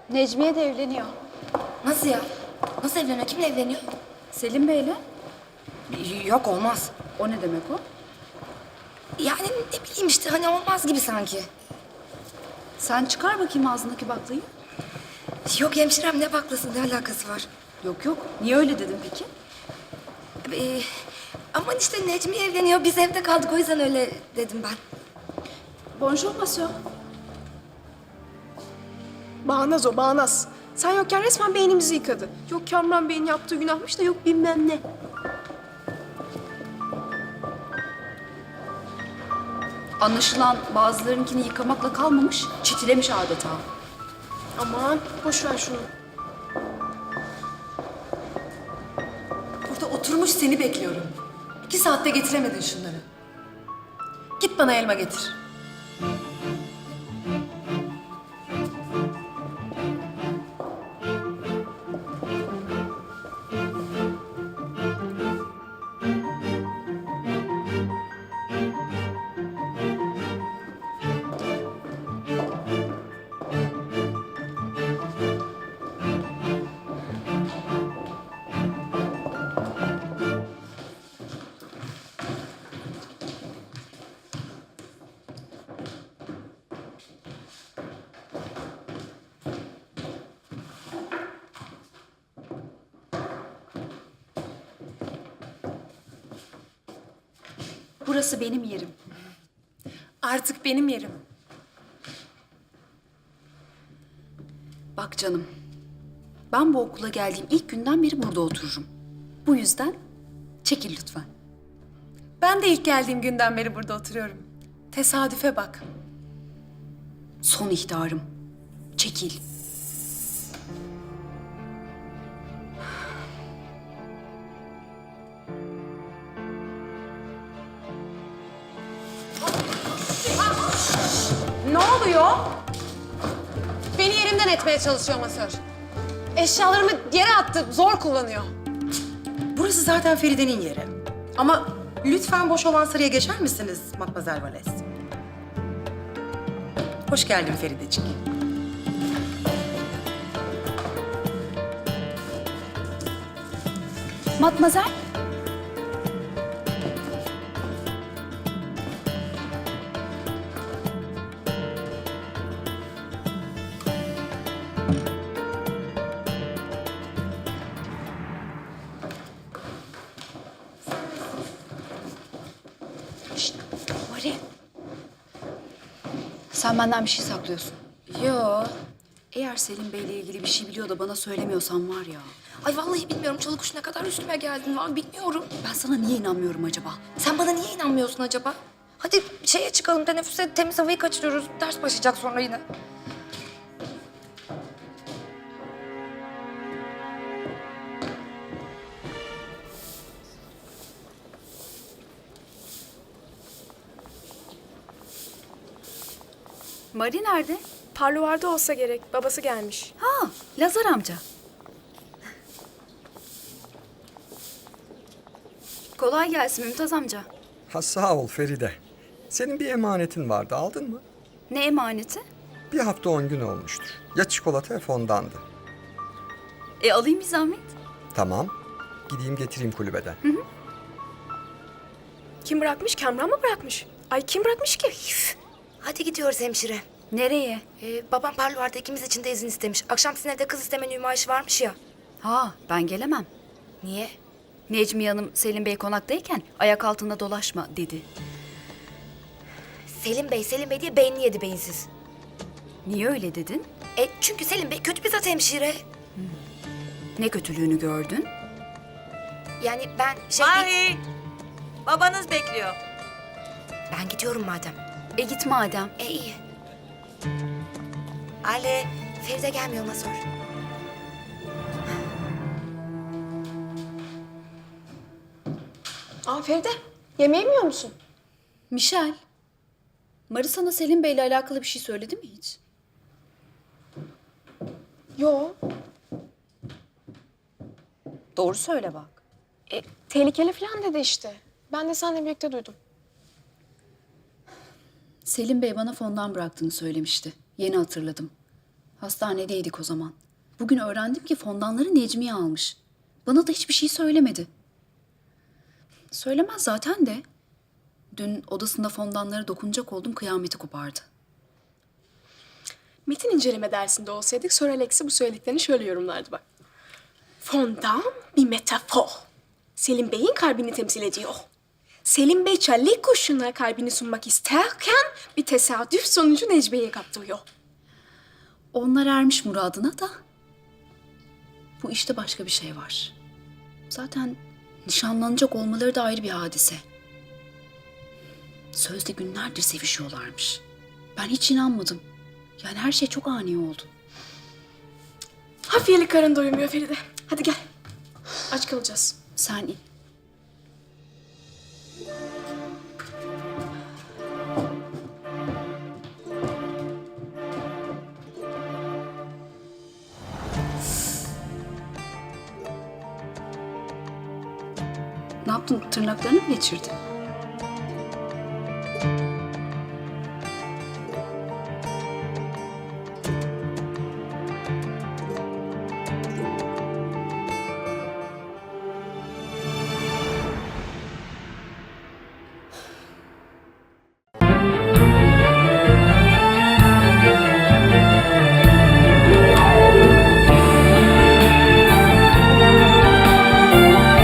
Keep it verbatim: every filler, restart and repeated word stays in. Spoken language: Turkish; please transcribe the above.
Necmiye de evleniyor. Nasıl ya? Nasıl evleniyor? Kimle evleniyor? Selim Bey'le. Yok olmaz. O ne demek o? Yani ne bileyim işte hani olmaz gibi sanki. Sen çıkar bakayım ağzındaki baklayı. Yok hemşirem ne baklası ne alakası var? Yok yok. Niye öyle dedin peki? Ee, aman işte Necmi evleniyor biz evde kaldık o yüzden öyle dedim ben. Bonjour monsieur. Bağnaz o, bağnaz. Sen yokken resmen beynimizi yıkadı. Yok Kamran Bey'in yaptığı günahmış da yok bilmem ne. Anlaşılan bazılarınkini yıkamakla kalmamış, çitilemiş adeta. Aman boş ver şunu. Burada oturmuş seni bekliyorum. İki saatte getiremedin şunları. Git bana elma getir. Burası benim yerim. Artık benim yerim. Bak canım, ben bu okula geldiğim ilk günden beri burada otururum. Bu yüzden çekil lütfen. Ben de ilk geldiğim günden beri burada oturuyorum. Tesadüfe bak. Son ihtarım. Çekil. Ne oluyor? Beni yerimden etmeye çalışıyor masör. Eşyalarımı yere attı, zor kullanıyor. Burası zaten Feride'nin yeri. Ama lütfen boş olan sıraya geçer misiniz Matmazel Vales? Hoş geldin Feridecik. Matmazel. Şşt, Mari. Sen benden bir şey saklıyorsun. Yo. Eğer Selim Bey'le ilgili bir şey biliyor da bana söylemiyorsan var ya. Ay vallahi bilmiyorum çalı kuş ne kadar üstüme geldin var bilmiyorum. Ben sana niye inanmıyorum acaba? Sen bana niye inanmıyorsun acaba? Hadi şeye çıkalım teneffüse temiz havayı kaçırıyoruz. Ders başlayacak sonra yine. Mari nerede? Parlovarda olsa gerek. Babası gelmiş. Ha, Lazar amca. Kolay gelsin Mümtaz amca. Ha sağ ol Feride. Senin bir emanetin vardı, aldın mı? Ne emaneti? Bir hafta on gün olmuştur. Ya çikolata ya fondandı. E alayım bir zahmet. Tamam. Gideyim getireyim kulübeden. Kim bırakmış? Kamran mı bırakmış? Ay kim bırakmış ki? Üf. Hadi gidiyoruz hemşire. Nereye? Ee, babam parlovarda ikimiz için de izin istemiş. Akşam sizin evde kız isteme nümayişi varmış ya. Ha, ben gelemem. Niye? Necmiye Hanım Selim Bey konaktayken ayak altında dolaşma dedi. Selim Bey, Selim Bey diye beynini yedi beyinsiz. Niye öyle dedin? E çünkü Selim Bey kötü bir zat hemşire. Ne kötülüğünü gördün? Yani ben şey değil... Mahi! Babanız bekliyor. Ben gidiyorum madem. E git madem. E iyi. Ali, Feride gelmiyor masör. Aa Feride, yemeği mi yiyor musun? Michel, Mari sana Selim Bey'le alakalı bir şey söyledi mi hiç? Yo. Doğru söyle bak. E, tehlikeli falan dedi işte. Ben de seninle birlikte duydum. Selim Bey bana fondan bıraktığını söylemişti. Yeni hatırladım. Hastanedeydik o zaman. Bugün öğrendim ki fondanları Necmiye almış. Bana da hiçbir şey söylemedi. Söylemez zaten de. Dün odasında fondanlara dokunacak oldum, kıyameti kopardı. Metin inceleme dersinde olsaydık Sir Alex'i bu söylediklerini şöyle yorumlardı bak. Fondan bir metafor. Selim Bey'in kalbini temsil ediyor. Selim Bey çelik kurşunlar kalbini sunmak isterken bir tesadüf sonucu Necmiye'ye kaptırıyor. Onlar ermiş muradına da. Bu işte başka bir şey var. Zaten nişanlanacak olmaları da ayrı bir hadise. Sözde günlerdir sevişiyorlarmış. Ben hiç inanmadım. Yani her şey çok ani oldu. Hafiyeli karın doymuyor Feride. Hadi gel. Aç kalacağız. Sen in. Ne yaptın? Tırnaklarını mı geçirdin?